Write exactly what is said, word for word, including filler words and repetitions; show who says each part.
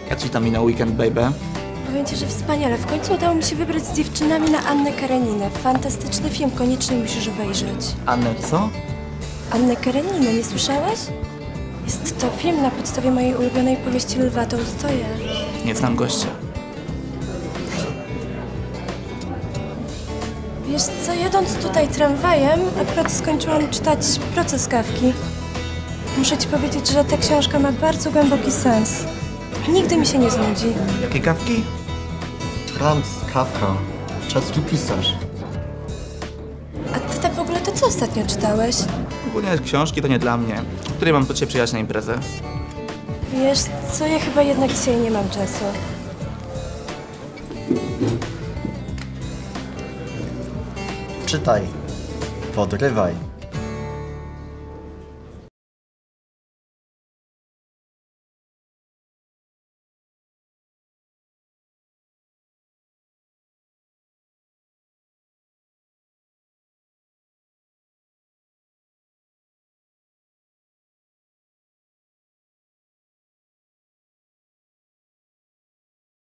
Speaker 1: Jak ci tam minął weekend, baby?
Speaker 2: Powiem ci, że wspaniale. W końcu udało mi się wybrać z dziewczynami na Annę Kareninę. Fantastyczny film, koniecznie musisz obejrzeć.
Speaker 1: Annę co?
Speaker 2: Annę Kareninę, nie słyszałeś? Jest to film na podstawie mojej ulubionej powieści Lwa Tołstoja.
Speaker 1: Nie znam gościa.
Speaker 2: Wiesz co, jadąc tutaj tramwajem, akurat skończyłam czytać Proces Kafki. Muszę ci powiedzieć, że ta książka ma bardzo głęboki sens. Nigdy mi się nie znudzi.
Speaker 1: Jakie kawki?
Speaker 3: Franz Kafka. Czeski pisarz.
Speaker 2: A ty tak w ogóle to co ostatnio czytałeś?
Speaker 1: Ogólnie książki to nie dla mnie. Której mam do ciebie przyjechać na imprezę?
Speaker 2: Wiesz co, ja chyba jednak dzisiaj nie mam czasu.
Speaker 3: Czytaj. Podrywaj.